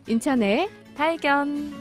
인천의 발견.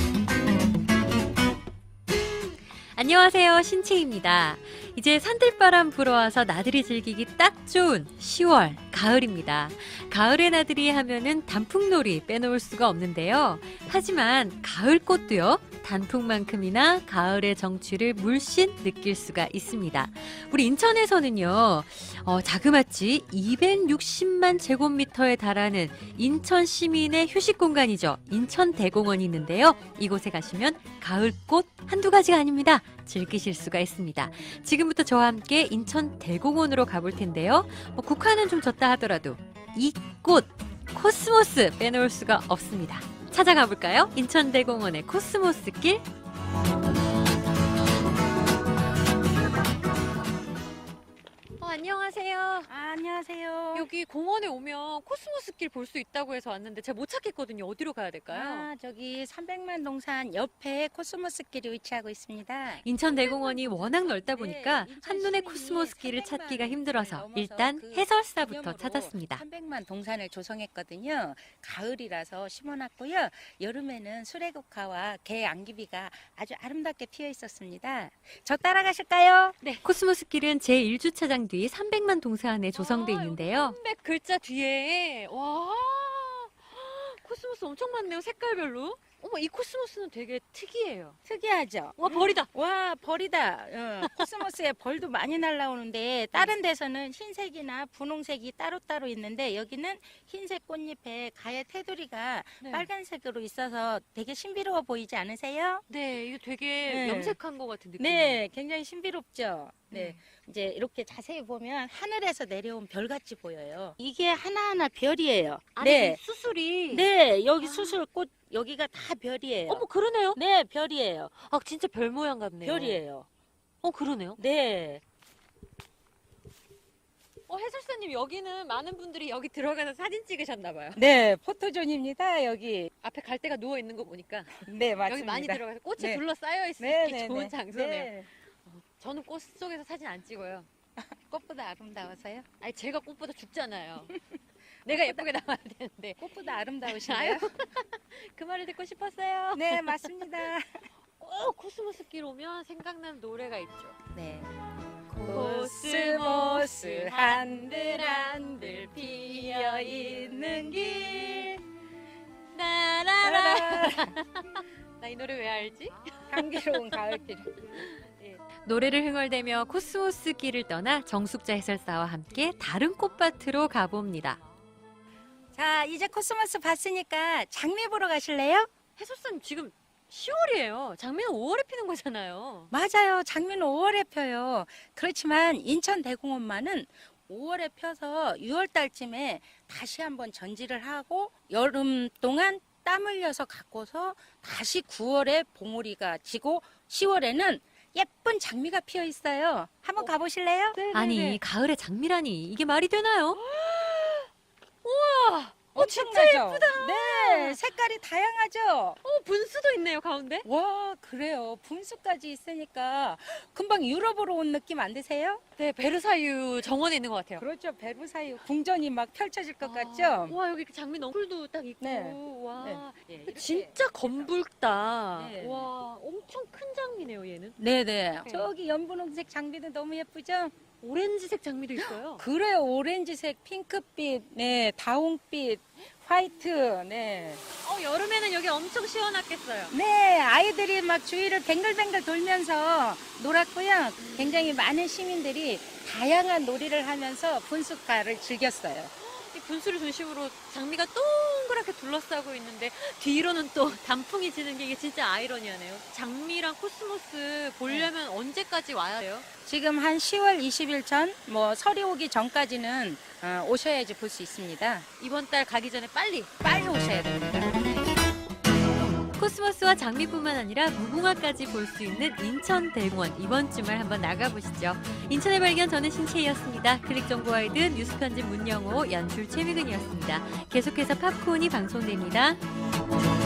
안녕하세요, 신채입니다. 이제 산들바람 불어와서 나들이 즐기기 딱 좋은 10월, 가을입니다. 가을의 나들이 하면은 단풍놀이 빼놓을 수가 없는데요. 하지만 가을꽃도요, 단풍만큼이나 가을의 정취를 물씬 느낄 수가 있습니다. 우리 인천에서는요, 자그마치 260만 제곱미터에 달하는 인천 시민의 휴식 공간이죠. 인천대공원이 있는데요. 이곳에 가시면 가을꽃 한두 가지가 아닙니다. 즐기실 수가 있습니다. 지금부터 저와 함께 인천대공원으로 가볼 텐데요. 국화는 좀 졌다 하더라도 이 꽃, 코스모스 빼놓을 수가 없습니다. 찾아가 볼까요? 인천대공원의 코스모스 길. 안녕하세요. 안녕하세요. 여기 공원에 오면 코스모스 길 볼 수 있다고 해서 왔는데 제가 못 찾겠거든요. 어디로 가야 될까요? 저기 300만 동산 옆에 코스모스 길이 위치하고 있습니다. 인천대공원이 워낙 넓다 보니까 한눈에 코스모스 길을 찾기가 힘들어서 일단 해설사부터 찾았습니다. 300만 동산을 조성했거든요. 가을이라서 심어놨고요. 여름에는 수레국화와 개 안기비가 아주 아름답게 피어 있었습니다. 저 따라가실까요? 네, 코스모스 길은 제1주차장 뒤 300만 동산에 조성돼 있는데요. 300 글자 뒤에 와, 코스모스 엄청 많네요. 색깔별로. 어머, 이 코스모스는 되게 특이해요. 특이하죠? 와, 벌이다. 와, 벌이다. 코스모스에 벌도 많이 날라오는데 다른 데서는 흰색이나 분홍색이 따로따로 있는데 여기는 흰색 꽃잎에 가에 테두리가 네. 빨간색으로 있어서 되게 신비로워 보이지 않으세요? 네, 이거 되게 네. 염색한 것 같은 느낌. 네, 굉장히 신비롭죠. 네. 이제 이렇게 자세히 보면 하늘에서 내려온 별같이 보여요. 이게 하나하나 별이에요. 네. 수술이. 네, 여기 수술꽃 여기가 다 별이에요. 어머, 그러네요. 네, 별이에요. 아, 진짜 별 모양 같네요. 별이에요. 그러네요. 네. 해설사님, 여기는 많은 분들이 여기 들어가서 사진 찍으셨나봐요. 네, 포토존입니다, 여기. 앞에 갈 데가 누워 있는 거 보니까 네, 맞습니다. 여기 많이 들어가서 꽃에 네. 둘러싸여 있을 네, 게 네, 좋은 네. 장소네요. 네. 저는 꽃 속에서 사진 안 찍어요. 꽃보다 아름다워서요? 아니, 제가 꽃보다 죽잖아요. 내가 예쁘게 나와야 되는데. 꽃보다 아름다우신가요? 그 말을 듣고 싶었어요. 네, 맞습니다. 꼭 코스모스 길 오면 생각나는 노래가 있죠. 네. 코스모스 한들한들 피어 있는 길. 나라라. 나 이 노래 왜 알지? 향기로운 가을길. 노래를 흥얼대며 코스모스 길을 떠나 정숙자 해설사와 함께 다른 꽃밭으로 가봅니다. 자, 이제 코스모스 봤으니까 장미 보러 가실래요? 해설사님, 지금 10월이에요. 장미는 5월에 피는 거잖아요. 맞아요. 장미는 5월에 펴요. 그렇지만 인천대공원만은 5월에 펴서 6월 달쯤에 다시 한번 전지를 하고 여름 동안 땀 흘려서 갖고서 다시 9월에 봉오리가 지고 10월에는 예쁜 장미가 피어 있어요. 한번 가보실래요? 아니, 가을에 장미라니 이게 말이 되나요? 진짜 예쁘다. 네, 색깔이 다양하죠. 분수도 있네요, 가운데. 와, 그래요. 분수까지 있으니까 금방 유럽으로 온 느낌 안 드세요? 네, 베르사유 정원에 있는 것 같아요. 그렇죠. 베르사유 궁전이 막 펼쳐질 것 같죠? 와, 여기 장미 넝쿨도 딱 있고. 네. 와, 네, 이렇게. 진짜 검붉다. 네. 와, 엄청 큰 장미네요, 얘는. 네네. 저기 연분홍색 장미도 너무 예쁘죠? 오렌지색 장미도 있어요. 그래요. 오렌지색, 핑크빛, 네, 다홍빛, 화이트, 네. 여름에는 여기 엄청 시원하겠어요. 네, 아이들이 막 주위를 뱅글뱅글 돌면서 놀았고요. 굉장히 많은 시민들이 다양한 놀이를 하면서 분수가를 즐겼어요. 이 분수를 중심으로 장미가 동그랗게 둘러싸고 있는데 뒤로는 또 단풍이 지는 게 이게 진짜 아이러니하네요. 장미랑 코스모스 보려면 언제까지 와야 돼요? 지금 한 10월 20일 전, 설이 오기 전까지는 오셔야지 볼 수 있습니다. 이번 달 가기 전에 빨리. 빨리 오셔야 됩니다. 코스모스와 장미뿐만 아니라 무궁화까지 볼 수 있는 인천대공원, 이번 주말 한번 나가보시죠. 인천의 발견, 저는 신채희였습니다. 클릭 정보 와이드 뉴스 편집 문영호, 연출 최미근이었습니다. 계속해서 팝콘이 방송됩니다.